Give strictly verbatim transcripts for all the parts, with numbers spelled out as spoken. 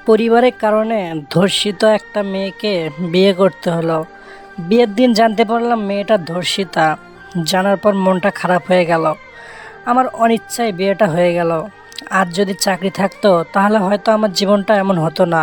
পরিবারের কারণে ধর্ষিত একটা মেয়েকে বিয়ে করতে হলো। বিয়ের দিন জানতে পারলাম মেয়েটা ধর্ষিতা। জানার পর মনটা খারাপ হয়ে গেল। আমার অনিচ্ছায় বিয়েটা হয়ে গেল। আর যদি চাকরি থাকতো তাহলে হয়তো আমার জীবনটা এমন হতো না।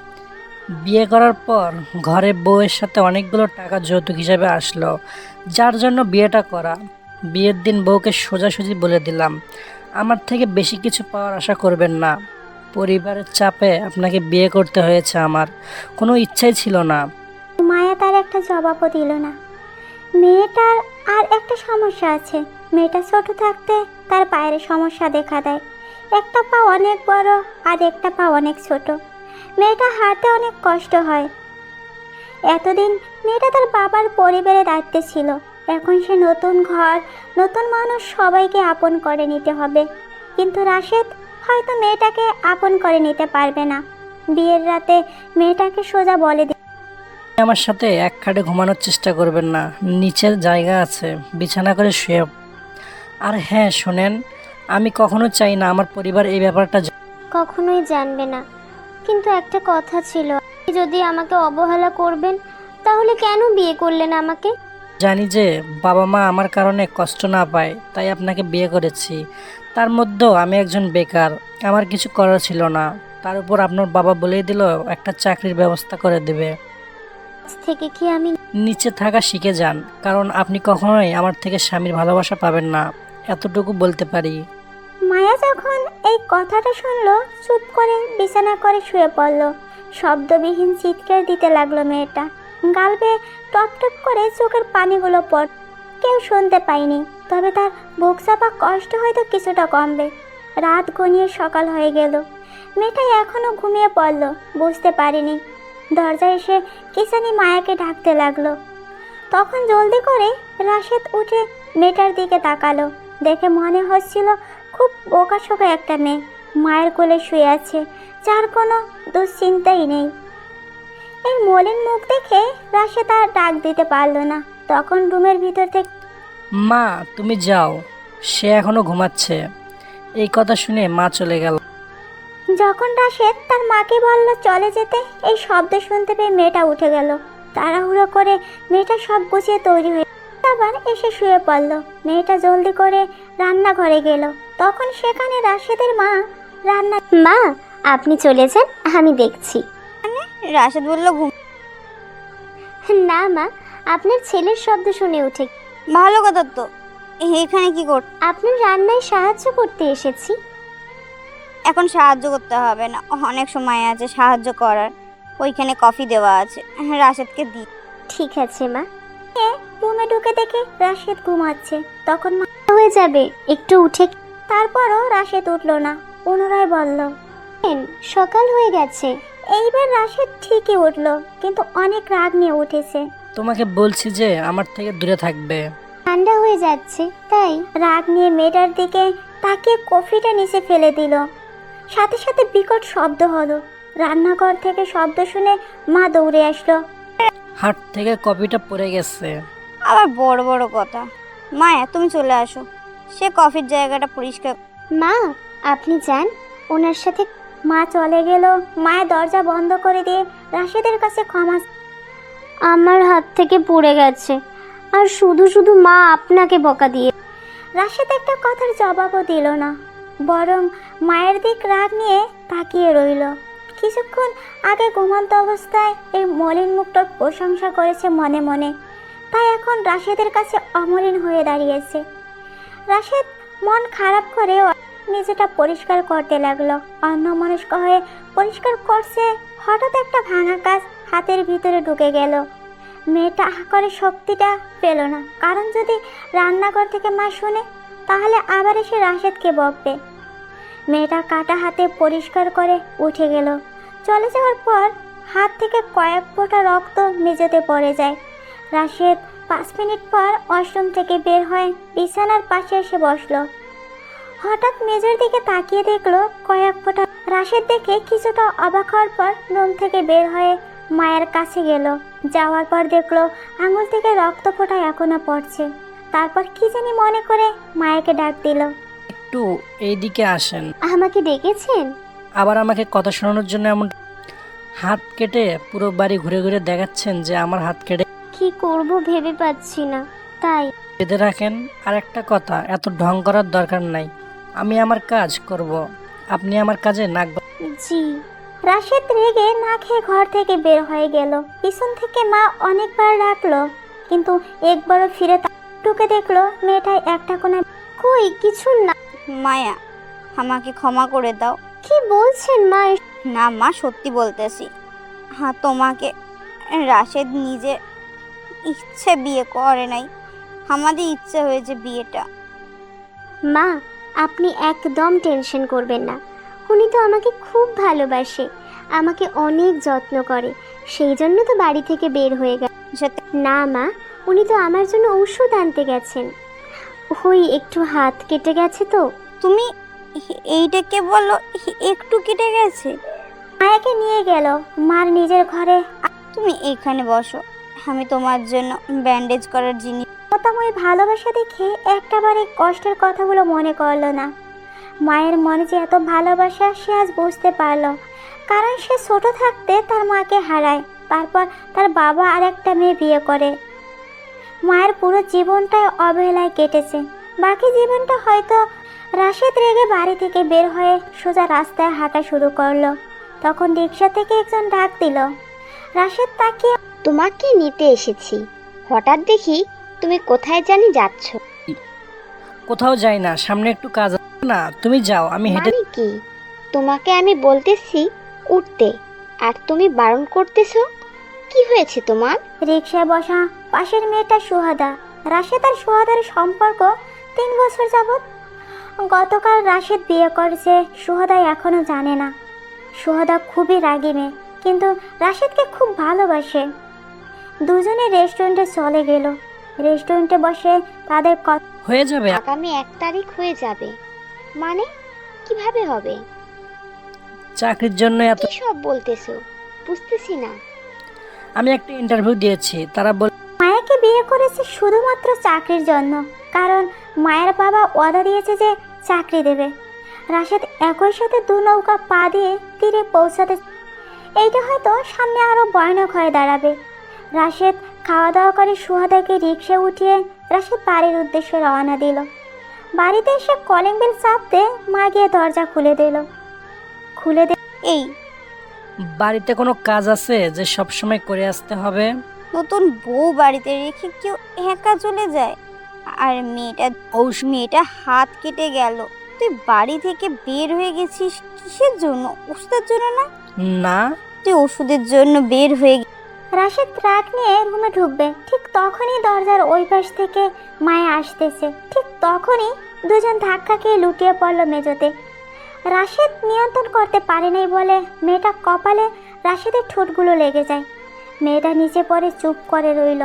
বিয়ে করার পর ঘরে বউয়ের সাথে অনেকগুলো টাকা যৌতুক হিসাবে আসলো, যার জন্য বিয়েটা করা। বিয়ের দিন বউকে সোজাসুজি বলে দিলাম, আমার থেকে বেশি কিছু পাওয়ার আশা করবেন না। পরিবারের চাপে আপনাকে বিয়ে করতে হয়েছে, আমার কোনো ইচ্ছাই ছিল না। মায়া তার একটা জবাবও দিল না। মেয়েটার আর একটা সমস্যা আছে। মেয়েটা ছোট থাকতে তার পায়ের সমস্যা দেখা দেয়। একটা পা অনেক বড় আর একটা পা অনেক ছোট। মেয়েটা হাঁটতে অনেক কষ্ট হয়। এতদিন মেয়েটা তার বাবার পরিবারের দায়িত্বে ছিল। এখন সে নতুন ঘর, নতুন মানুষ, সবাইকে আপন করে নিতে হবে। কিন্তু রাশেদ হয়তো মেয়েটাকে আপন করে নিতে পারবে না। বিয়ের রাতে মেয়েটাকে সোজা বলে দিল, আমার সাথে এক খাটে ঘুমানোর চেষ্টা করবেন না, নিচের জায়গা আছে, বিছানা করে শুয়ে। আর হ্যাঁ শোনেন, আমি কখনো চাই না আমার পরিবার এই ব্যাপারটা জা- কখনোই জানবে না। কিন্তু একটা কথা ছিল, আপনি যদি আমাকে অবহেলা করবেন তাহলে কেন বিয়ে করলেন আমাকে? জানি যে বাবা মা আমার কারণে কষ্ট না পায়, তাই আপনাকে বিয়ে করেছি। তার মধ্যেও আমি একজন বেকার, আমার কিছু করার ছিল না। তার উপর আপনার বাবা বলেই দিল একটা চাকরির ব্যবস্থা করে দেবে। আজ থেকে কি আমি নিচে থাকা শিখে যান, কারণ আপনি কখনোই আমার থেকে স্বামীর ভালোবাসা পাবেন না, এতটুকু বলতে পারি। মায়া যখন এই কথাটা শুনলো, চুপ করে বিছানা করে শুয়ে পড়ল। শব্দবিহীন চিৎকার দিতে লাগলো মেয়েটা। গাল বেয়ে টপ টপ করে চোখের পানিগুলো পড়। কেউ শুনতে পায়নি, তবে তার বুক চাপা কষ্ট হয়তো কিছুটা কমবে। রাত ঘনিয়ে সকাল হয়ে গেল। মেয়েটা এখনো ঘুমিয়ে পড়ল, বুঝতে পারিনি। দরজায় এসে কিসানি মায়াকে ডাকতে লাগলো। তখন জলদি করে রাশেদ উঠে মেয়েটার দিকে তাকালো। দেখে মনে হচ্ছিল খুব বোকাশোকা একটা মেয়ে মায়ের কোলে শুয়ে আছে, যার কোনো দুশ্চিন্তাই নেই। এই মলিন মুখ দেখে রাশেদ আর ডাক দিতে পারলো না। তখন রুমের ভিতর থেকে মা তুমি যাও, সে এখনো ঘুমাচ্ছে। এই কথা শুনে মা চলে গেল। যখন রাশেদ তার মাকে বলল চলে যেতে, এই শব্দ শুনতে পেয়ে মেয়েটা উঠে গেল। তাড়াহুড়ো করে মেয়েটা সব গুছিয়ে তৈরি হয়ে আবার এসে শুয়ে পড়ল। মেয়েটা জলদি করে রান্নাঘরে গেল। তখন সেখানে রাশেদের মা রান্না মা, আপনি চলে যান, আমি দেখছি। রাশেদ বলল, ঘুম। না মা, আপনার ছেলের শব্দ শুনে উঠে ভালো কথা তো, এখানে কি কর? আপনার রান্নায় সাহায্য করতে এসেছি। এখন সাহায্য করতে হবে না, অনেক সময় আছে সাহায্য করার। ওইখানে কফি দেওয়া আছে, রাশেদকে দি। ঠিক আছে মা। রুমে ঢুকে দেখে রাশেদ ঘুমাচ্ছে। তখন মা হয়ে যাবে, একটু উঠে তারপরও রাশেদ উঠল না। পুনরায় বলল, খেন, সকাল হয়ে গেছে। এইবার রাশেদ ঠিকই উঠল, কিন্তু অনেক রাগ নিয়ে উঠেছে। তোমাকে বলছি যে আমার থেকে দূরে থাকবে। ঠান্ডা হয়ে যাচ্ছে তাই। রাগ নিয়ে মেয়েটার দিকে তাকিয়ে কফিটা নিচে ফেলে দিল। সাথে সাথে বিকট শব্দ হলো। রান্নাঘর থেকে শব্দ শুনে মা দৌড়ে আসলো। হাট থেকে কপিটা পড়ে গেছে। আবার বড় বড় কথা। মায়া তুমি চলে আসো, সে কফির জায়গাটা পরিষ্কার। মা, আপনি যান, ওনার সাথে। মা চলে গেল। মায়ের দরজা বন্ধ করে দিয়ে রাশেদের কাছে ক্ষমা। আমার হাত থেকে পড়ে গেছে, আর শুধু শুধু মা আপনাকে বকা দিয়ে। রাশেদ একটা কথার জবাবও দিল না, বরং মায়ের দিক রাগ নিয়ে তাকিয়ে রইল। কিছুক্ষণ আগে ঘুমন্ত অবস্থায় এই মলিন মুখটার প্রশংসা করেছে মনে মনে, তাই এখন রাশেদের কাছে অমলিন হয়ে দাঁড়িয়েছে। রাশেদ মন খারাপ করেও নিজেটা পরিষ্কার করতে লাগলো। অন্যমনস্ক হয়ে পরিষ্কার করছে, হঠাৎ একটা ভাঙা কাজ হাতের ভিতরে ঢুকে গেল। মেয়েটা আহ করে শক্তিটা পেল না, কারণ যদি রান্নাঘর থেকে মা শুনে তাহলে আবার এসে রাশেদকে বকবে। মেয়েটা কাটা হাতে পরিষ্কার করে উঠে গেল। চলে যাওয়ার পর হাত থেকে কয়েক ফোঁটা রক্ত মেঝেতে পড়ে যায়। রাশেদ পাঁচ মিনিট পর ওয়াশরুম থেকে বের হয়ে বিছানার পাশে এসে বসলো। হঠাৎ মেঝের দিকে তাকিয়ে দেখলো কয়েক ফোঁটা। রাশেদ দেখে কিছুটা অবাক হওয়ার পর রুম থেকে বের হয়ে মায়ের কাছে গেল। যাওয়ার পর দেখলো আঙুল থেকে রক্ত ফোঁটা এখনো পড়ছে। তারপর কি জানি মনে করে মায়েরকে ডাক দিল। একটু এইদিকে আসেন। আমাকে ডেকেছেন? আবার আমাকে কথা শোনানোর জন্য এমন হাত কেটে পুরো বাড়ি ঘুরে ঘুরে দেখাচ্ছেন যে আমার হাত কেটে কি করব ভেবে পাচ্ছি না, তাই বেঁধে রাখেন। আর একটা কথা, এত ঢং করার দরকার নাই, আমি আমার কাজ করব, আপনি আমার কাজে নাক গলা- জি। রাশেদ রেগে না খেয়ে ঘর থেকে বের হয়ে গেল। পিছন থেকে মা অনেকবার ডাকলো, কিন্তু একবারও ফিরে তা- ঢুকে দেখলো মেয়েটা একটা কোণে। কই কিছু না। মায়া, আমাকে ক্ষমা করে দাও। কি বলছেন মা? না মা, সত্যি বলতেছি। হ্যাঁ, তোমাকে রাশেদ নিজের ইচ্ছে বিয়ে করে নাই, আমাদের ইচ্ছে হয়েছে বিয়েটা। মা, আপনি একদম টেনশন করবেন না। উনি তো আমাকে খুব ভালোবাসে, আমাকে অনেক যত্ন করে, সেই জন্য তো বাড়ি থেকে বের হয়ে গেল। সাথে না মা, উনি তো আমার জন্য ওষুধ আনতে গেছেন। ওই একটু হাত কেটে গেছে তো। তুমি এইটাকে বলো একটু কেটে গেছে? মায়াকে নিয়ে গেল মার নিজের ঘরে। তুমি এখানে বসো, আমি তোমার জন্য ব্যান্ডেজ করার জিনিস। মতাময় ভালোবাসা দেখে একটাবারে কষ্টের কথাগুলো মনে করলো না। মায়ের মনে যে এত ভালোবাসা সে আজ বুঝতে পারলো, কারণ সে ছোট থাকতে তার মাকে হারায়, তারপর তার বাবা আর একটা মেয়ে বিয়ে করে। মায়ের পুরো জীবনটাই অবহেলায় কেটেছে। বাকি জীবনটা হয়তো। রাশেদ রেগে বাড়ি থেকে বের হয়ে সোজা রাস্তায় হাঁটা শুরু করলো। তখন রিক্সা থেকে একজন ডাক দিল। রাশেদ তাকিয়ে তোমাকে নিতে এসেছি। হঠাৎ দেখি তুমি কোথায় জানি যাচ্ছ। কোথাও যাই না, সামনে একটু কাজ আছে না, তুমি যাও, আমি হেঁটে মানে কি? তোমাকে আমি বলতেছি উঠতে, আর তুমি বারণ করতেছো। কি হয়েছে তোমার? রিক্সায় বসা পাশের মেয়েটা সুহাদা। রাশেদ আর সুহাদার সম্পর্ক তিন বছর যাবৎ। গতকাল রাশেদ বিয়ে করেছে, সুহাদা এখনো জানে না। সুহাদা খুবই রাগী মেয়ে, কিন্তু রাশেদকে খুব ভালোবাসে। দুজনে রেস্টুরেন্টে চলে গেল। রেস্টুরেন্টে বসে তাদের কথা। হয়ে যাবে। আগামী এক তারিখ হয়ে যাবে মানে কিভাবে হবে? চাকরির জন্য এত কি সব বলতেছো বুঝতেছি না। আমি একটা ইন্টারভিউ দিয়েছি, তারা বল মায়াকে বিয়ে করেছে শুধুমাত্র চাকরির জন্য, কারণ মায়ের বাবা ওয়াদা দিয়েছে যে চাকরি দেবে। রাশেদ একই সাথে দু নৌকা পা দিয়ে তীরে পৌঁছাতে। এইটা হয়তো সামনে আরো ভয়ানক হয়ে দাঁড়াবে। রাশেদ খাওয়া দাওয়া করে সুহাদাকে রিক্সা উঠিয়ে রাশেদ বাড়ির উদ্দেশ্যে রওনা দিল। বাড়িতে এসে কলিং বেল চাপতে মা গিয়ে দরজা খুলে দিল। খুলে দে এই বাড়িতে কোনো কাজ আছে যে সব সময় করে আসতে হবে? নতুন বউ বাড়িতে রেখে কেউ একা চলে যায়? আর মেয়েটা ঔষ মেয়েটা হাত কেটে গেল, তুই বাড়ি থেকে বের হয়ে গেছিস কিসের জন্য? ওষুধের জন্য না? না, তুই ওষুধের জন্য বের হয়ে গে- রাশেদ ট্রাক নিয়ে রুমে ঢুকবে, ঠিক তখনই দরজার ওই পাশ থেকে মায়া আসতেছে। ঠিক তখনই দুজন ধাক্কা খেয়ে লুটিয়ে পড়ল মেঝেতে। রাশেদ নিয়ন্ত্রণ করতে পারে নাই বলে মেয়েটা কপালে রাশেদের ঠোঁটগুলো লেগে যায়। মেয়েটা নিচে পড়ে চুপ করে রইল।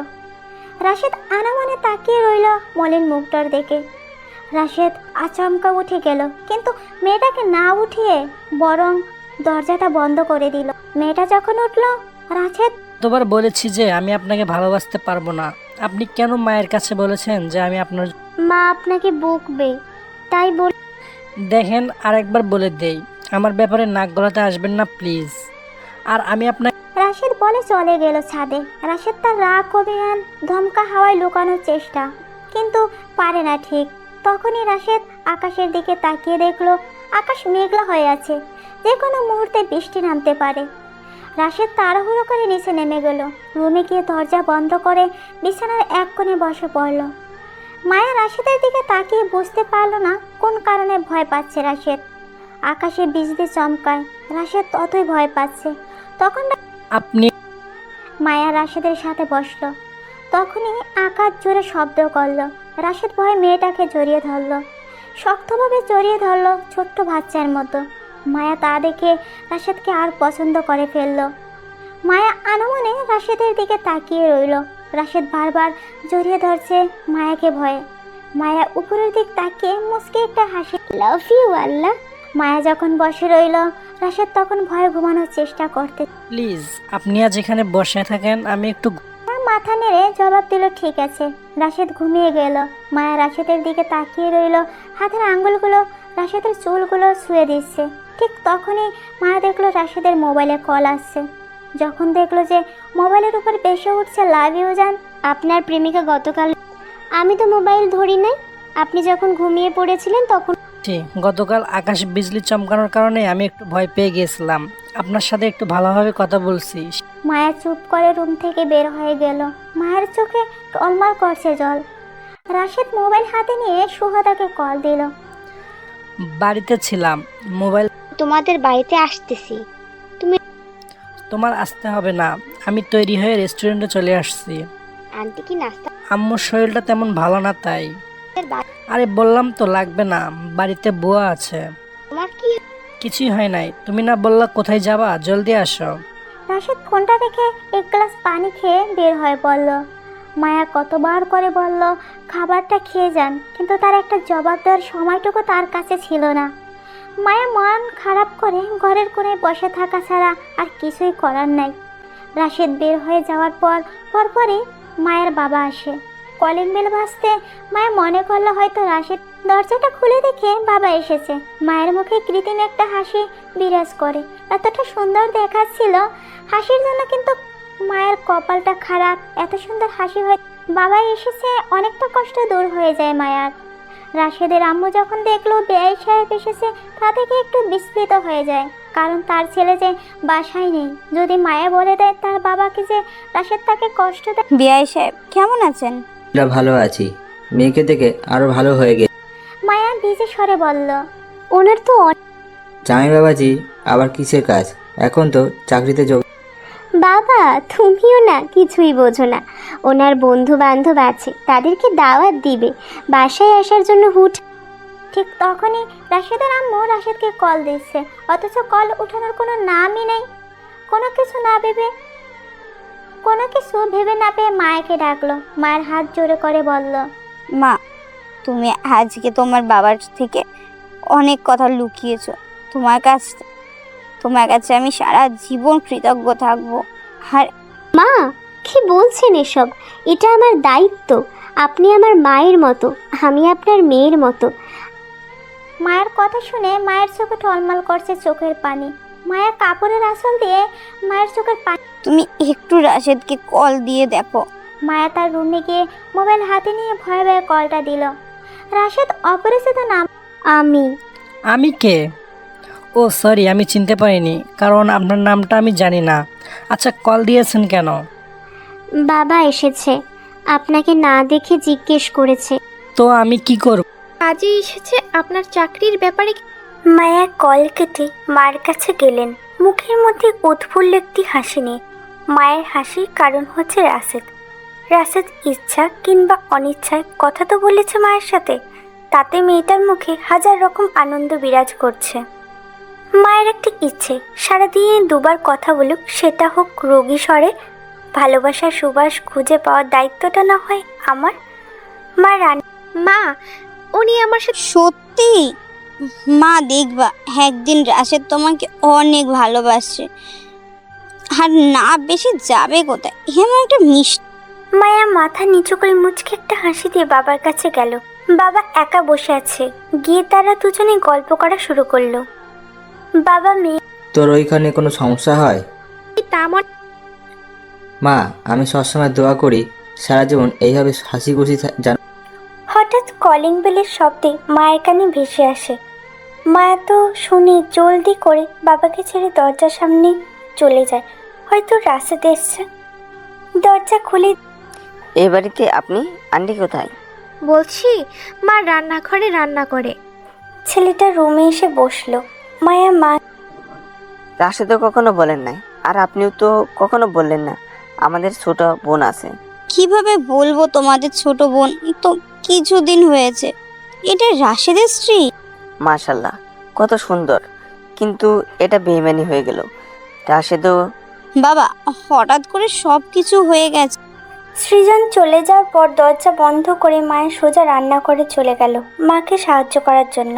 রাশেদ আনামনে তাকিয়ে রইল মলিন মুখটার দিকে। রাশেদ আচমকা উঠে গেল, কিন্তু মেয়েটাকে না উঠিয়ে বরং দরজাটা বন্ধ করে দিল। মেয়েটা যখন উঠল, রাশেদ তোবার বলেছি যে আমি আপনাকে ভালোবাসতে পারবো না, আপনি কেন মায়ের কাছে বলেছেন যে আমি আপনার? মা আপনাকে বকবে, তাই বল। দেখেন, আরেকবার বলে দেই, আমার ব্যাপারে নাক গলাতে আসবেন না প্লিজ। আর আমি আপনাকে রাশেদ বলে চলে গেল ছাদে। রাশেদ তার রাগ অভিমান ধমকা হাওয়ায় লুকানোর চেষ্টা, কিন্তু পারে না ঠিক। তখনই রাশেদ আকাশের দিকে তাকিয়ে দেখলো আকাশ মেঘলা হয়ে আছে, যে কোনো মুহূর্তে বৃষ্টি নামতে পারে। রাশেদ তাড়াহুড়ো করে নিচে নেমে গেল। রুমে গিয়ে দরজা বন্ধ করে বিছানার এক কোণে বসে পড়ল। মায়া রাশেদের দিকে তাকিয়ে বুঝতে পারল না কোন কারণে ভয় পাচ্ছে রাশেদ। আকাশে বিজলি চমকায়, রাশেদ ততই ভয় পাচ্ছে। তখন আপনি মায়া রাশেদের সাথে বসলো। তখনই আকাশ জোরে শব্দ করলো। রাশেদ ভয়ে মেয়েটাকে জড়িয়ে ধরলো, শক্তভাবে জড়িয়ে ধরলো, ছোট্ট বাচ্চার মতো। মায়া তা দেখে রাশেদকে আর পছন্দ করে ফেললো। মায়া আনমনে রাশেদের দিকে তাকিয়ে রইল। রাশেদ বারবার জড়িয়ে ধরছে মায়াকে ভয়ে। মায়া উপরের দিক তাকিয়ে মুচকে একটা হাসি। লাভ ইউ আল্লাহ। মায়া যখন বসে রইল, রাশেদ তখন ভয়ে ঘুমানোর চেষ্টা করতে। প্লিজ, আপনি আজ এখানে বসে থাকেন, আমি একটু মাথা নেড়ে জবাব দিল ঠিক আছে। রাশেদ ঘুমিয়ে গেল। মায়া রাশেদের দিকে তাকিয়ে রইল, হাতের আঙ্গুলগুলো রাশেদের চুলগুলো ছুঁয়ে দিচ্ছে। ঠিক তখনই মায়া দেখলো রাশেদের মোবাইলে কল আসছে। যখন দেখলো যে মোবাইলের উপর বেশি উঠছে লাভ ইউ জান। আপনার প্রেমিকা গতকাল, আমি তো মোবাইল ধরি নাই, আপনি যখন ঘুমিয়ে পড়েছিলেন তখন। ঠিক, গতকাল আকাশ বিজলি চমকানোর কারণে আমি একটু ভয় পেয়ে গিয়েছিলাম। আপনার সাথে একটু ভালোভাবে কথা বলছি। মায়া চুপ করে রুম থেকে বের হয়ে গেল। মায়ের চোখে টলমল করছে জল। রাশেদ মোবাইল হাতে নিয়ে সুহাদাকে কল দিল। বাড়িতে ছিলাম, মোবাইল। তোমাদের বাড়িতে আসতেছি। তোমার আসতে হবে না, আমি তৈরি হয়ে রেস্টুরেন্টে চলে আসছি। আন্টি কি নাস্তা? আম্মুর শরীরটা তেমন ভালো না তাই। বা- আরে বললাম তো লাগবে না, বাড়িতে বুয়া আছে। তোমার কি? কিছুই হয় নাই। তুমি না বললা কোথায় যাবা, জলদি আসো। রাশেদ ফোনটা রেখে এক গ্লাস পানি খেয়ে বের হয়ে পড়ল। মায়া কতবার করে বলল খাবারটা খেয়ে যান, কিন্তু তার একটা জবাব দেওয়ার সময়টুকু তার কাছে ছিল না। মায়া মন খারাপ করে ঘরের কোণে বসে থাকা ছাড়া আর কিছুই করার নাই। রাশেদ বের হয়ে যাওয়ার পর পরপরই মায়ের বাবা আসে। কলিং বেল বাজতে মায়া মনে করলো হয়তো রাশেদ। দরজাটা খুলে দেখে বাবা এসেছে। মায়ের মুখে কৃত্রিম একটা হাসি বিরাজ করে। এতটা সুন্দর দেখাচ্ছিল হাসির জন্য, কিন্তু মায়ের কপালটা খারাপ। এত সুন্দর হাসি হয় বাবা এসেছে, অনেকটা কষ্ট দূর হয়ে যায় মায়ার। রাশেদের আম্মু যখন দেখলো বেআই সাহেব এসেছে, তা থেকে একটু বিস্মিত হয়ে যায়, কারণ তার ছেলে যে বাসায় নেই। যদি মায়া বলে দেয় তার বাবাকে যে রাশেদ তাকে কষ্ট দেয়। বিআই সাহেব কেমন আছেন? আমরা ভালো আছি, মেয়েকে দেখে আরো ভালো হয়ে গেছে। মায়া নিজে স্বরে বলল, ওনার তো অনেক। জামাই বাবাজি আবার কিসের কাজ? এখন তো চাকরিতে যোগ। বাবা তুমিও না কিছুই বোঝো না, ওনার বন্ধু বান্ধব আছে, তাদেরকে দাওয়াত দিবে, বাসায় আসার জন্য হুট। ঠিক তখনই রাশেদের আম্মু রাশেদকে কল দিচ্ছে, অথচ কল উঠানোর কোনো নামই নেই। কোনো কিছু না ভেবে কোনো কিছু ভেবে না পেয়ে মায়াকে ডাকলো। মায়ের হাত জোরে করে বলল, মা, তুমি আজকে তোমার বাবার থেকে অনেক কথা লুকিয়েছো। তোমার কাছ তোমার কাছে আমি সারা জীবন কৃতজ্ঞ থাকবো। আর মা কি বলছেন এসব? এটা আমার দায়িত্ব। আপনি আমার মায়ের মতো, আমি আপনার মেয়ের মতো। মায়ের কথা শুনে মায়ের চোখে টলমল করছে চোখের পানি। মায়া কাপড়ের আঁচল দিয়ে মায়ের চোখের পানি। তুমি একটু রাশেদকে কল দিয়ে দেখো। মায়া তার রুমে গিয়ে মোবাইল হাতে নিয়ে ভয়ে ভয়ে কলটা দিল। রাশেদ অপরিচিত নাম। আমি আমি কে? ও সরি, আমি চিনতে পারিনি, কারণ আপনার নামটা আমি জানি না। আচ্ছা, কল দিয়েছেন কেন? বাবা এসেছে, আপনাকে না দেখে জিজ্ঞেস করেছে। তো আমি কি করব? কাজে এসেছে আপনার চাকরির ব্যাপারে। মায়া কল কেটে মার কাছে গেলেন, মুখের মধ্যে উৎফুল্ল একটি হাসি নিয়ে। মায়ের হাসির কারণ হচ্ছে রাশেদ। রাশেদ ইচ্ছা কিংবা অনিচ্ছায় কথা তো বলেছে মায়ের সাথে, তাতে মেয়েটার মুখে হাজার রকম আনন্দ বিরাজ করছে। মায়ের একটি ইচ্ছে, সারাদিনে দুবার কথা বলুক, সেটা হোক রোগী স্বরে। ভালোবাসার সুবাস খুঁজে পাওয়ার দায়িত্বটা না হয় আমার। মা রান্না। মা, উনি আমার সাথে। সত্যি? মা দেখবা একদিন রাশেদ তোমাকে অনেক ভালোবাসছে। আর না বেশি যাবে কোথায়, এমন একটা মিষ্টি। মায়া মাথা নিচু করে মুচকে একটা হাসি দিয়ে বাবার কাছে গেল। বাবা একা বসে আছে, গিয়ে তারা দুজনে গল্প করা শুরু করলো। বাবা মেয়ে। তোর ওইখানে কোনো সমস্যা হয়? তা মনে মা, আমি সবসময় দোয়া করি সারা জীবন এইভাবে হাসি খুশি জান। হঠাৎ কলিং বেলের শব্দে মায়ের কানে ভেসে আসে। মায়া তো শুনে জলদি করে বাবাকে ছেড়ে দরজার সামনে চলে যায়। হয়তো রাশেদ এসছে। দরজা খুলে। এই বাড়িতে আপনি? আন্টি কোথায়? বলছি, মা রান্নাঘরে রান্না করে। ছেলেটা রুমে এসে বসলো। মায়া মা। রাশে তো কখনো বলেন নাই, আর আপনিও তো কখনো বললেন না আমাদের ছোট বোন আছে। কিভাবে বলবো তোমাদের ছোট বোন? এই তো কিছুদিন হয়েছে। এটা রাশেদের স্ত্রী? মাশাল্লাহ, কত সুন্দর, কিন্তু এটা বেইমানি হয়ে গেল। রাশেদও। বাবা, হঠাৎ করে সব কিছু হয়ে গেছে। সৃজন চলে যাওয়ার পর দরজা বন্ধ করে মায়ের সোজা রান্না করে চলে গেল মাকে সাহায্য করার জন্য।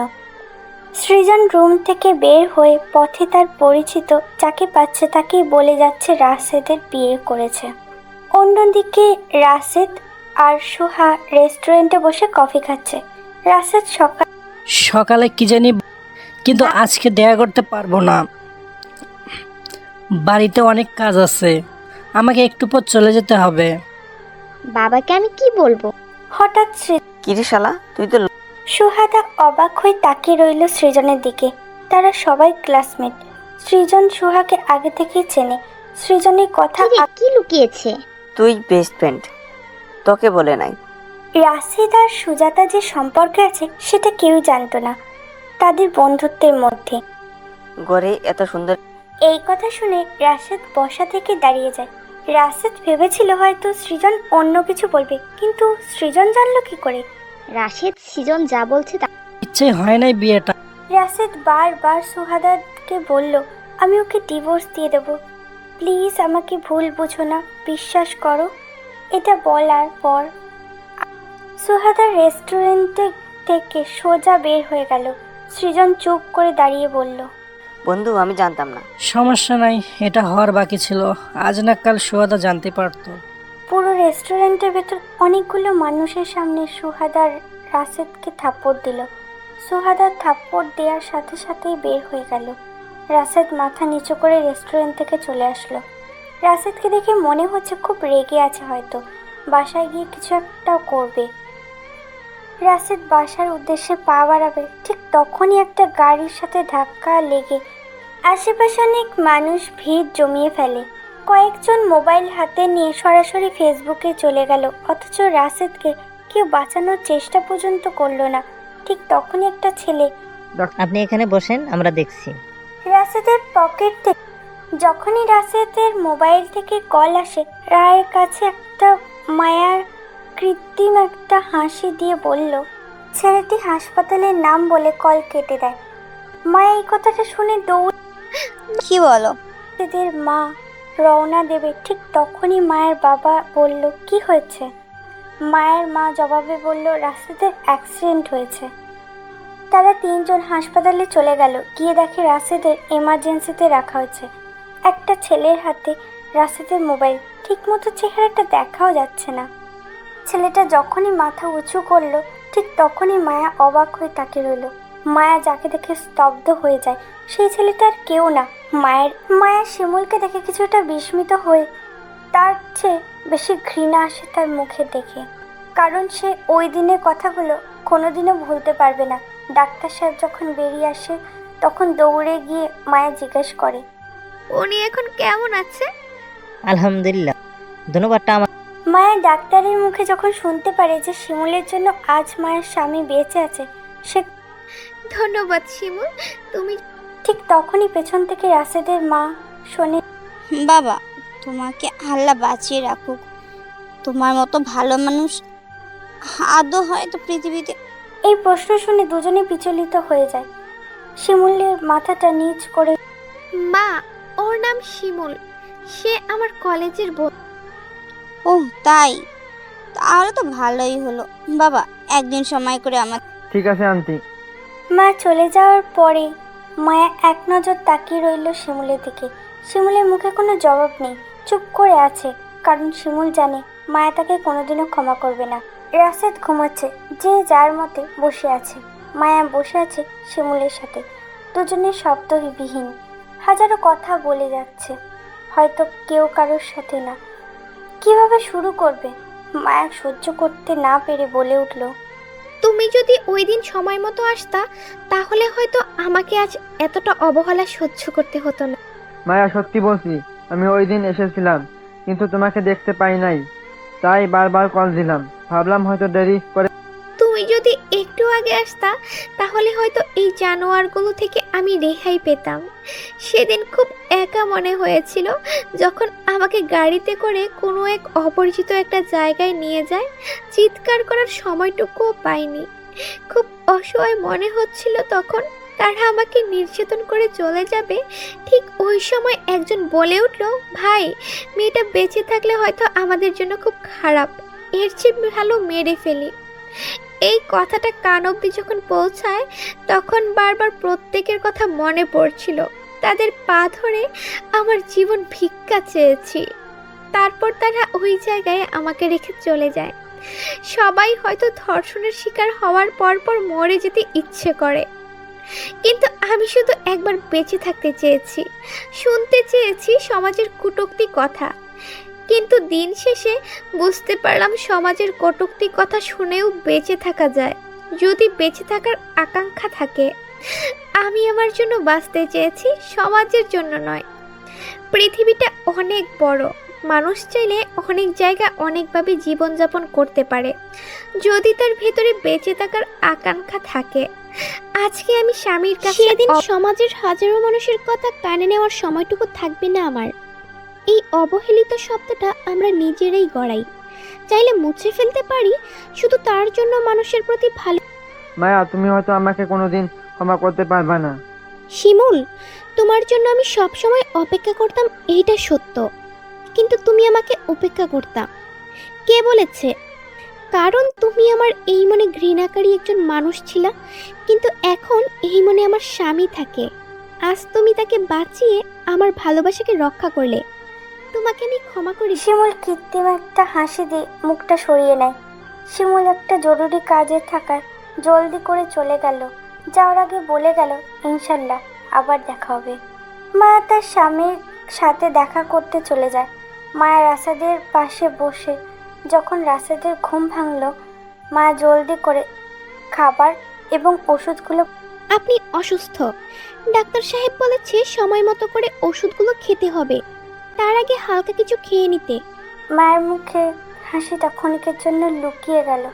সৃজন রুম থেকে বের হয়ে পথে তার পরিচিত যাকে পাচ্ছে তাকেই বলে যাচ্ছে রাশেদের বিয়ে করেছে। অন্যদিকে রাশেদ আর সুহা রেস্টুরেন্টে বসে কফি খাচ্ছে। রাশেদ সকাল সকালে কি জানি, কিন্তু আজকে দেখা করতে পারবো না। বাড়িতে অনেক কাজ আছে, আমাকে একটু পর চলে যেতে হবে। বাবাকে আমি কি বলবো? হঠাৎ সৃ- কিরে শালা, তুই তো সুহাদা অবাক হয়ে তাকিয়ে রইল সৃজনের দিকে। তারা সবাই ক্লাসমেট। সৃজন সুহাকে আগে থেকেই চেনে। সৃজনের কথা কি রে, কি লুকিয়েছে? তুই বেস্ট ফ্রেন্ড, তোকে বলে নাই। রাশিদ আর সুজাতা যে সম্পর্কে আছে সেটা কেউ জানতো না তাদের বন্ধুত্বের মধ্যে। ঘরে এত সুন্দর। এই কথা শুনে রাশেদ বসা থেকে দাঁড়িয়ে যায়। রাশেদ ভেবেছিল হয়তো সৃজন অন্য কিছু বলবে, কিন্তু সৃজন জানলো কি করে? রাশেদ সৃজন যা বলছে তা ইচ্ছে হয় নাই বিয়েটা। রাশেদ বারবার সুহাদাকে বলল, আমি ওকে ডিভোর্স দিয়ে দেব, প্লিজ আমাকে ভুল বুঝো না, বিশ্বাস করো। এটা বলার পর সুহাদা রেস্টুরেন্টে থেকে সোজা বের হয়ে গেল। সৃজন চুপ করে দাঁড়িয়ে বলল, বন্ধু আমি জানতাম না। সমস্যা নাই, এটা হওয়ার বাকি ছিল, আজ না কাল সুহাদা জানতে পারতো। পুরো রেস্টুরেন্টের ভেতর অনেকগুলো মানুষের সামনে সুহাদার রাশেদকে থাপ্পড় দিল। সুহাদার থাপ্পড় দেওয়ার সাথে সাথেই বের হয়ে গেল। রাশেদ মাথা নিচু করে রেস্টুরেন্ট থেকে চলে আসলো। রাশেদকে দেখে মনে হচ্ছে খুব রেগে আছে, হয়তো বাসায় গিয়ে কিছু একটা করবে। রাশেদ বাসার উদ্দেশ্যে পা বাড়াবে, ঠিক তখনই একটা গাড়ির সাথে ধাক্কা লেগে আশেপাশে অনেক মানুষ ভিড় জমিয়ে ফেলে। কয়েকজন মোবাইল হাতে নিয়ে সরাসরি ফেসবুকে চলে গেল, অথচ রাশেদকে কেউ বাঁচানোর চেষ্টা পর্যন্ত করলো না। ঠিক তখনই একটা ছেলে আপনি এখানে বসেন, আমরা দেখছি। রাশেদের পকেট থেকে যখনই রাশেদের মোবাইল থেকে কল আসে, রায়ের কাছে একটা মায়ার কৃত্রিম একটা হাসি দিয়ে বলল, ছেলেটি হাসপাতালের নাম বলে কল কেটে দেয়। মায়া এই কথাটা শুনে দৌড় কি বলো? রাশেদের মা রওনা দেবে, ঠিক তখনই মায়ের বাবা বলল, কি হয়েছে? মায়ের মা জবাবে বলল, রাশেদের অ্যাক্সিডেন্ট হয়েছে। তারা তিনজন হাসপাতালে চলে গেল। গিয়ে দেখে রাশেদের এমার্জেন্সিতে রাখা হয়েছে। একটা ছেলের হাতে রাশেদের মোবাইল, ঠিকমতো চেহারাটা দেখাও যাচ্ছে না। ছেলেটা যখনই মাথা উঁচু করলো, ঠিক তখনই মায়া অবাক হয়ে তাকিয়ে রইল। মায়া যাকে দেখে স্তব্ধ হয়ে যায়, সেই ছেলেটা আর কেউ না, মায়ের মায়া শিমুলকে দেখে কিছুটা বিস্মিত হয়ে তার চেয়ে বেশি ঘৃণা আসে তার মুখে দেখে, কারণ সে ওই দিনের কথাগুলো কোনোদিনও ভুলতে পারবে না। ডাক্তার সাহেব যখন বেরিয়ে আসে, তখন দৌড়ে গিয়ে মায়া জিজ্ঞেস করে, উনি এখন কেমন আছে? আলহামদুলিল্লাহ, ধন্যবাদটা আমার। মায়া ডাক্তারের মুখে যখন শুনতে পারে যে শিমুলের জন্য আজ মায়ের স্বামী বেঁচে আছে, সে ধন্যবাদ শিমুল, তুমি ঠিক তখনই পেছন থেকে রাশেদের মা শোনে, বাবা, তোমাকে আল্লাহ বাঁচিয়ে রাখুক। তোমার মতো ভালো মানুষ আদৌ হয়তো পৃথিবীতে। এই প্রশ্ন শুনে দুজনে বিচলিত হয়ে যায়। শিমুলের মাথাটা নিচ করে, মা, ওর নাম শিমুল, সে আমার কলেজের বন্ধু। ও তাই, তাহলে তো ভালোই হলো। বাবা, একদিন সময় করে আমার। ঠিক আছে আন্টি। মা চলে যাওয়ার পরে মায়া এক নজর তাকিয়ে রইল শিমুলের দিকে। শিমুলের মুখে কোনো জবাব নেই, চুপ করে আছে, কারণ শিমুল জানে মায়া তাকে কোনোদিনও ক্ষমা করবে না। রাশেদ ঘুমাচ্ছে, যে যার মতে বসে আছে। মায়া বসে আছে শিমুলের সাথে, দুজনের শব্দবিহীন। হাজারো কথা বলে যাচ্ছে, হয়তো কেউ কারোর সাথে না। কিভাবে শুরু করবে? মায়া সহ্য করতে না পেরে বলে উঠল, তুমি যদি ওই দিন সময় মতো আসতা, তাহলে হয়তো আমাকে আজ এতটা অবহেলা সহ্য করতে হতো না। মায়া, সত্যি বলছি, আমি ওই দিন এসেছিলাম, কিন্তু তোমাকে দেখতে পাই নাই, তাই বারবার কল দিলাম। ভাবলাম হয়তো দেরি করে। তুমি যদি একটু আগে আসতা, তাহলে হয়তো এই জানোয়ারগুলো থেকে আমি রেহাই পেতাম। সেদিন খুব একা মনে হয়েছিল যখন আমাকে গাড়িতে করে কোনো এক অপরিচিত একটা জায়গায় নিয়ে যায়। চিৎকার করার সময়টুকুও পাইনি। খুব অসহায় মনে হচ্ছিল তখন। তারা আমাকে নির্যাতন করে চলে যাবে, ঠিক ওই সময় একজন বলে উঠল, ভাই, মেয়েটা বেঁচে থাকলে হয়তো আমাদের জন্য খুব খারাপ, এর চেয়ে ভালো মেরে ফেলি। এই কথাটা কান অবধি যখন পৌঁছায়, তখন বারবার প্রত্যেকের কথা মনে পড়ছিল। তাদের পা ধরে আমার জীবন ভিক্ষা চেয়েছি। তারপর তারা ওই জায়গায় আমাকে রেখে চলে যায়। সবাই হয়তো ধর্ষণের শিকার হওয়ার পর পর মরে যেতে ইচ্ছে করে। কিন্তু আমি শুধু একবার বেঁচে থাকতে চেয়েছি, শুনতে চেয়েছি সমাজের কটূক্তি কথা। কিন্তু দিন শেষে বুঝতে পারলাম সমাজের কটূক্তি কথা শুনেও বেঁচে থাকা যায়, যদি বেঁচে থাকার আকাঙ্ক্ষা থাকে। আমি আমার জন্য বাঁচতে চেয়েছি, সমাজের জন্য নয়। পৃথিবীটা অনেক বড়, মানুষ চাইলে অনেক জায়গা অনেকভাবে জীবনযাপন করতে পারে, যদি তার ভেতরে বেঁচে থাকার আকাঙ্ক্ষা থাকে। আজকে আমি স্বামীর কাছে সেদিন সমাজের হাজারো মানুষের কথা কানে নেওয়ার সময়টুকু থাকবে না আমার। এই অবহেলিত শব্দটা আমরা নিজেরাই গড়াই, চাইলে মুছে ফেলতে পারি, শুধু তার জন্য মানুষের প্রতি ভালো। মায়া, তুমি হয়তো আমাকে কোনোদিন ক্ষমা করতে পারবে না। শিমুল, তোমার জন্য আমি সব সময় অপেক্ষা করতাম, এইটা সত্য, কিন্তু তুমি আমাকে উপেক্ষা করতাম। কে বলেছে? কারণ তুমি আমার এই মনে ঘৃণাকারী একজন মানুষ ছিলা, কিন্তু এখন এই মনে আমার স্বামী থাকে। আজ তুমি তাকে বাঁচিয়ে আমার ভালোবাসাকে রক্ষা করলে, তোমাকে আমি ক্ষমা করি। শিমুল কৃত্রিম একটা হাসি দিয়ে মুখটা সরিয়ে নেয়। শিমুল একটা জরুরি কাজে থাকায় জলদি করে চলে গেল। যাওয়ার আগে বলে গেল, ইনশাল্লাহ আবার দেখা হবে। মায়া তার স্বামীর সাথে দেখা করতে চলে যায়। মায়া রাসাদের পাশে বসে যখন রাসাদের ঘুম ভাঙল, মায়া জলদি করে খাবার এবং ওষুধগুলো। আপনি অসুস্থ, ডাক্তার সাহেব বলেছে সময় মতো করে ওষুধগুলো খেতে হবে, তার আগে হালকা কিছু খেয়ে নিতে। মায়ের মুখে হাসিটা ক্ষণিকের জন্য লুকিয়ে গেল।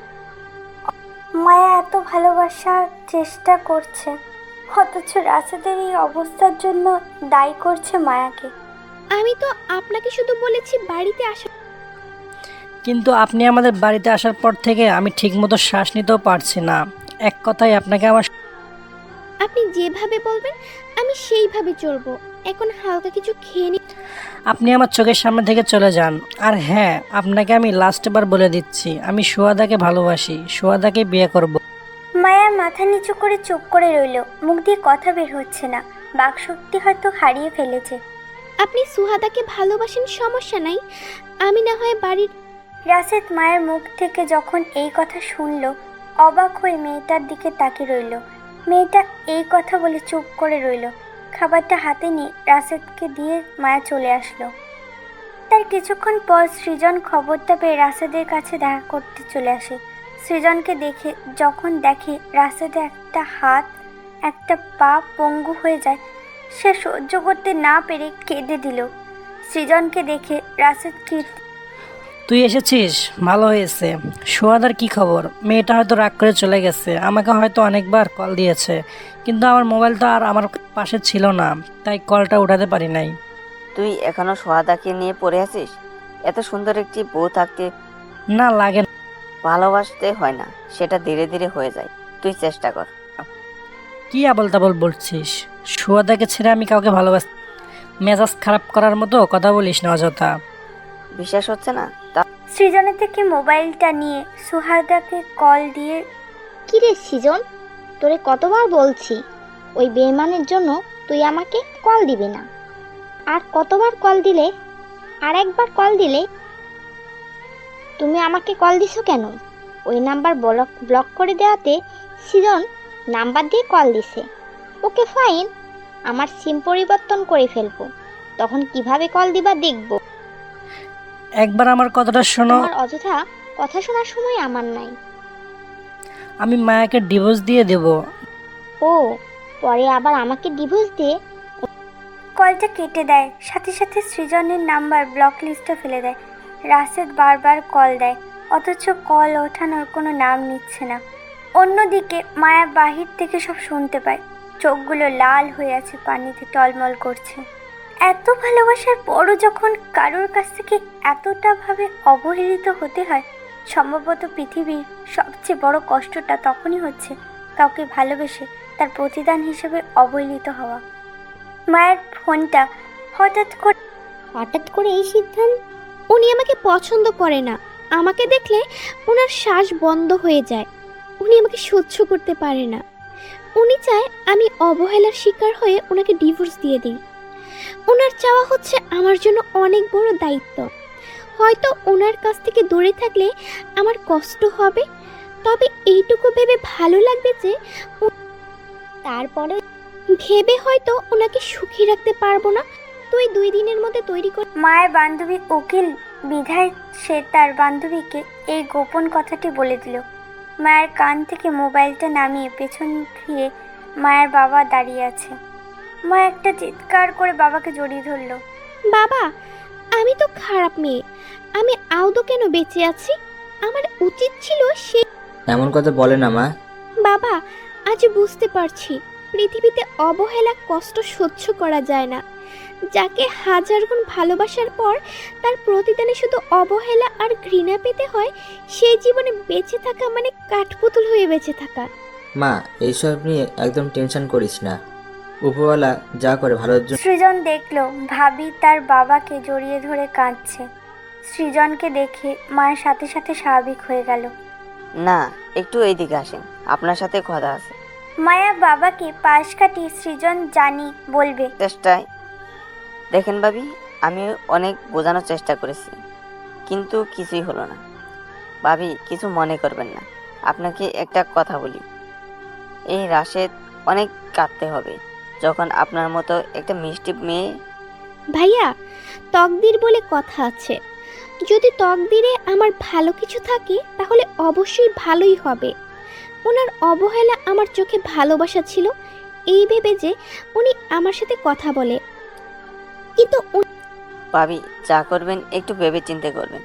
মায়া এত ভালোবাসার চেষ্টা করছে, অথচ রাসাদের এই অবস্থার জন্য দায়ী করছে মায়াকে। আমি তো আপনাকে শুধু বলেছি বাড়িতে আসা। কিন্তু আপনি আমাদের বাড়িতে আসার পর থেকে আমি ঠিকমতো শ্বাস নিতেও পারছি না। এক কথায় আপনাকে আমার। আপনি যেভাবে বলবেন আমি সেইভাবে চলবো। এখন হালকা কিছু খেয়ে নি। আপনি আমার চোখের সামনে থেকে চলে যান। আর হ্যাঁ, আপনাকে আমি লাস্টবার বলে দিচ্ছি, আমি সুহাদাকে ভালোবাসি, সুহাদাকে বিয়ে করব। মায়া মাথা নিচু করে চুপ করে রইল, মুখ দিয়ে কথা বের হচ্ছে না। বাকশক্তি হয়তো হারিয়ে ফেলেছে। আপনি সুহাদাকে ভালোবাসেন, সমস্যা নাই, আমি না হয় বাড়ির। রাশেদ মায়ের মুখ থেকে যখন এই কথা শুনল, অবাক হয়ে মেয়েটার দিকে তাকিয়ে রইল। মেয়েটা এই কথা বলে চুপ করে রইল। খাবারটা হাতে নিয়ে রাশেদকে দিয়ে মায়া চলে আসলো। তার কিছুক্ষণ পর সৃজন খবরটা পেয়ে রাশেদের কাছে দেখা করতে চলে আসে। সৃজনকে দেখে যখন দেখে রাশেদের একটা হাত একটা পা পঙ্গু হয়ে যায়, সে সহ্য করতে না পেরে কেঁদে দিল। সৃজনকে দেখে রাশেদ কি, তুই এসেছিস, ভালো হয়েছে। সুহাদার কি খবর? মেয়েটা হয়তো রাগ করে চলে গেছে, আমাকে হয়তো অনেকবার কল দিয়েছে, কিন্তু আমার মোবাইলটা আর আমার পাশে ছিল না, তাই কলটা উঠাতে পারি নাই। তুই এখনো সোহাদাকে নিয়ে পড়ে আছিস? এত সুন্দর একটি বউ থাকতে না লাগে না। ভালোবাসতে হয় না, সেটা ধীরে ধীরে হয়ে যায়, তুই চেষ্টা কর। কি আবল তাবল বলছিস? সুহাদাকে ছেড়ে আমি কাউকে ভালোবাস। মেজাজ খারাপ করার মতো কথা বলিস না অযথা। বিশ্বাস হচ্ছে না? তা সৃজনের থেকে মোবাইলটা নিয়ে সুহাদাকে কল দিয়ে, কিরে সৃজন, তোরে কতবার বলছি ওই বেইমানের জন্য তুই আমাকে কল দিবি না। আর কতবার কল দিলে, আর একবার কল দিলে তুমি আমাকে কল দিছো কেন? ওই নাম্বার ব্লক ব্লক করে দেওয়াতে সৃজন নাম্বার দিয়ে কল দিছে। ওকে ফাইন, আমার সিম পরিবর্তন করে ফেলবো, তখন কিভাবে কল দিবা দেখবো। একবার আমার কথাটা শোনো। আমার অযথা কথা শোনার সময় আমার নাই। আমি মায়াকে ডিভোর্স দিয়ে দেব। ও, পরে আবার আমাকে ডিভোর্স দিয়ে। কলটা কেটে দেয়, সাথে সাথে সৃজনের নাম্বার ব্লক লিস্টে ফেলে দেয়। রাশেদ বারবার কল দেয়, অথচ কল ওঠানোর কোনো নাম নিচ্ছে না। অন্যদিকে মায়া বাহির থেকে সব শুনতে পায়। চোখগুলো লাল হয়ে আছে, পানিতে টলমল করছে। এত ভালোবাসার পরও যখন কারোর কাছ থেকে এতটা ভাবে অবহেলিত হতে হয়, সম্ভবত পৃথিবীর সবচেয়ে বড় কষ্টটা তখনই হচ্ছে কাউকে ভালোবেসে তার প্রতিদান হিসেবে অবহেলিত হওয়া। মায়ের ফোনটা হঠাৎ করে হঠাৎ করে এই সিদ্ধান্ত। উনি আমাকে পছন্দ করে না, আমাকে দেখলে ওনার শ্বাস বন্ধ হয়ে যায়, উনি আমাকে সহ্য করতে পারে না। উনি চায় আমি অবহেলার শিকার হয়ে ওনাকে ডিভোর্স দিয়ে দিই। ওনার চাওয়া হচ্ছে আমার জন্য অনেক বড় দায়িত্ব। হয়তো ওনার কাছ থেকে দূরে থাকলে আমার কষ্ট হবে, তবে এইটুকু ভেবে ভালো লাগবে যে তারপরে ভেবে হয়তো ওনাকে সুখী রাখতে পারবো না, তুই দুই দিনের মধ্যে তৈরি কর। মায়ের বান্ধবী উকিল বিধায় সে তার বান্ধবীকে এই গোপন কথাটি বলে দিল। মায়ের কান থেকে মোবাইলটা নামিয়ে পেছন ফিরে মায়ের বাবা দাঁড়িয়ে আছে। মা একটা চিৎকার করে বাবাকে জড়িয়ে ধরল। বাবা, আমি তো খারাপ মেয়ে, আমি আদৌ কেন বেঁচে আছি? আমার উচিত ছিল সে। এমন কথা বলে না মা। বাবা, আজ বুঝতে পারছি পৃথিবীতে অবহেলা কষ্ট সহ্য করা যায় না। যাকে হাজার গুণ ভালোবাসার পর তার প্রতিদানে শুধু অবহেলা আর ঘৃণা পেতে হয়, সেই জীবনে বেঁচে থাকা মানে কাঠপুতুল হয়ে বেঁচে থাকা। মা, এইসব নিয়ে একদম টেনশন করিস না, উপরওয়ালা যা করে ভালোর জন্য। সৃজন দেখলো ভাবি তার বাবাকে জড়িয়ে ধরে কাঁদছে। সৃজনকে দেখে মায়ের সাথে সাথে স্বাভাবিক হয়ে গেল। না, একটু এইদিকে আসেন, আপনার সাথে কথা আছে। মায়া বাবাকে পাশ কাটিয়ে সৃজন জানি বলবে। চেষ্টায় দেখেন ভাবি, আমি অনেক বোঝানোর চেষ্টা করেছি, কিন্তু কিছুই হলো না। ভাবি, কিছু মনে করবেন না, আপনাকে একটা কথা বলি। এই রাশেদ অনেক কাঁদতে হবে যখন আপনার মতো একটা মিষ্টি মেয়ে। ভাইয়া, তকদির বলে কথা আছে, যদি তকদিরে আমার ভালো কিছু থাকে তাহলে অবশ্যই ভালোই হবে। ওনার অবহেলা আমার চোখে ভালোবাসা ছিল এই ভেবে যে উনি আমার সাথে কথা বলে, কিন্তু ভাবি, যা করবেন একটু ভেবে চিন্তে করবেন।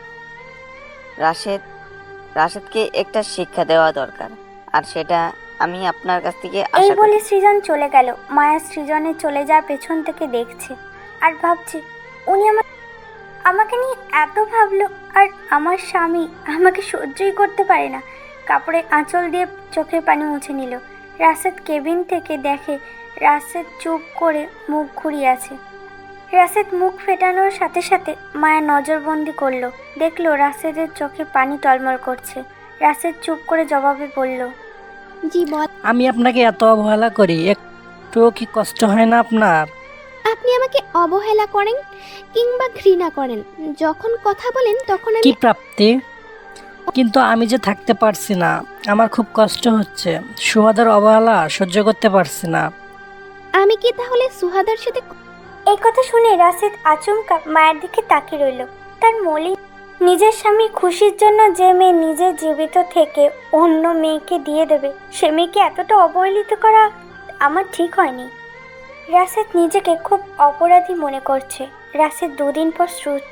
রাশেদ রাশেদকে একটা শিক্ষা দেওয়া দরকার, আর সেটা আমি আপনার কাছ থেকে এই আশা করি। বলে সৃজন চলে গেল। মায়া সৃজনে চলে যাওয়ার পেছন থেকে দেখছে আর ভাবছে, উনি আমার আমাকে নিয়ে এত ভাবলো, আর আমার স্বামী আমাকে সহ্যই করতে পারে না। কাপড়ে আঁচল দিয়ে চোখের পানি মুছে নিল। রাশেদ কেবিন থেকে দেখে রাশেদ চুপ করে মুখ ঘুরিয়ে আছে। রাশেদ মুখ ফেটানোর সাথে সাথে মায়া নজরবন্দি করলো, দেখলো রাশেদের চোখে পানি টলমল করছে। রাশেদ চুপ করে জবাবে বলল, জি বল। আমি আপনাকে এত অবহেলা করি, একটুও কি কষ্ট হয় না আপনার? আপনি আমাকে অবহেলা করেন কিংবা ঘৃণা করেন, যখন কথা বলেন তখন কি আমি প্রাপ্তি? কিন্তু আমি যে থাকতে পারছি না, আমার খুব কষ্ট হচ্ছে। সুহাদার অবহেলা সহ্য করতে পারছি না। আমি কি তাহলে সুহাদার সাথে? এই কথা শুনে রাশেদ আচমকা মায়ের দিকে তাকিয়ে রইল। তার মলিন নিজের স্বামীর খুশির জন্য যে মেয়ে নিজে জীবিত থেকে অন্য মেয়েকে দিয়ে দেবে, সে মেয়েকে এতটা অবহেলিত করা আমার ঠিক হয়নি। রাশেদ নিজেকে খুব অপরাধী মনে করছে। রাশেদ দুদিন পর সু-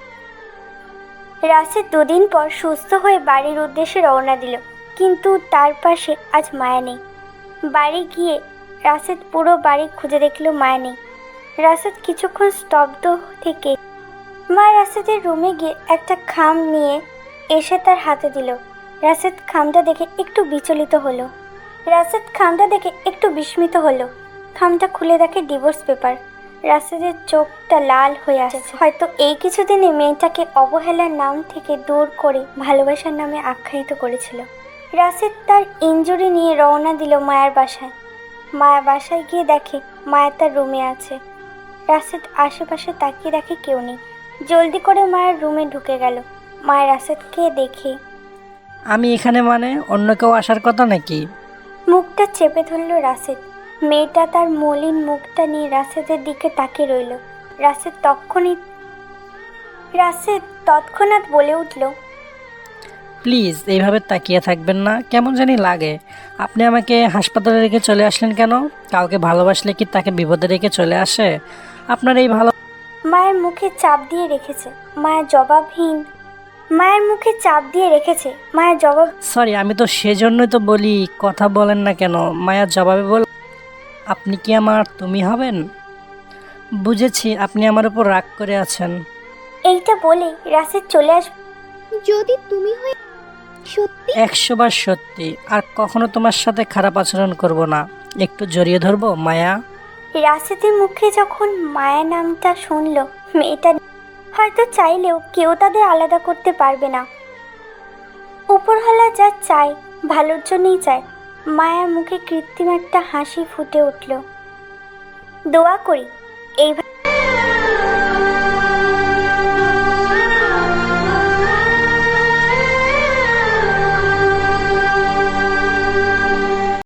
রাশেদ দুদিন পর সুস্থ হয়ে বাড়ির উদ্দেশ্যে রওনা দিল, কিন্তু তার পাশে আজ মায়া নেই। বাড়ি গিয়ে রাশেদ পুরো বাড়ি খুঁজে দেখল, মায়া নেই। রাশেদ কিছুক্ষণ স্তব্ধ থেকে মা রাশেদের রুমে গিয়ে একটা খাম নিয়ে এসে তার হাতে দিল। রাশেদ খামটা দেখে একটু বিচলিত হলো। রাশেদ খামটা দেখে একটু বিস্মিত হলো। খামটা খুলে দেখে ডিভোর্স পেপার। রাশেদের চোখটা লাল হয়ে আসছে। হয়তো এই কিছুদিনে মেয়েটাকে অবহেলার নাম থেকে দূর করে ভালোবাসার নামে আখ্যায়িত করেছিল। রাশেদ তার ইনজুরি নিয়ে রওনা দিল মায়ের বাসায়। মায়ের বাসায় গিয়ে দেখে মায়া তার রুমে আছে। রাশেদ আশেপাশে তাকিয়ে দেখে কেউ নেই। জলদি করে মায়ের রুমে ঢুকে গেল। মায়ের রাশেদকে দেখে, আমি এখানে মানে অন্য কেউ আসার কথা নাকি? মুখটা চেপে ধরল রাশেদ। মেয়েটা তার মলিন মুখটা নিয়ে রাশেদের দিকে তাকিয়ে রইল। রাশেদ তৎক্ষণিত রাশেদ তৎক্ষণাৎ বলে উঠল, প্লিজ এইভাবে তাকিয়ে থাকবেন না, কেমন জানি লাগে। আপনি আমাকে হাসপাতালে রেখে চলে আসলেন কেন? কাউকে ভালোবাসলে কি তাকে বিপদে রেখে চলে আসে? আপনার এই ভালো মায়ের মুখে চাপ দিয়ে রেখেছে। মায়ের জবাবহীন মায়ের মুখে চাপ দিয়ে রেখেছে মায়ের জবাব সরি, আমি তো সেজন্যই তো বলি কথা বলেন না কেন। মায়ের জবাবে বল, আপনি কি আমার তুমি হবেন? বুঝেছি আপনি আমার উপর রাগ করে আছেন। এইটা বলে রাশেদ চলে আস যদি তুমি হয়ে সত্যি একশো বার সত্যি, আর কখনো তোমার সাথে খারাপ আচরণ করব না। একটু জড়িয়ে ধরবো মায়া। রাশেদের মুখে যখন মায়া নামটা শুনল, মেয়েটা হয়তো চাইলেও কেউ তাদের আলাদা করতে পারবে না। উপরওয়ালা যা চায় ভালোর জন্যই চায়। মায়ার মুখে কৃত্রিম একটা হাসি ফুটে উঠল। দোয়া করি এইভাবে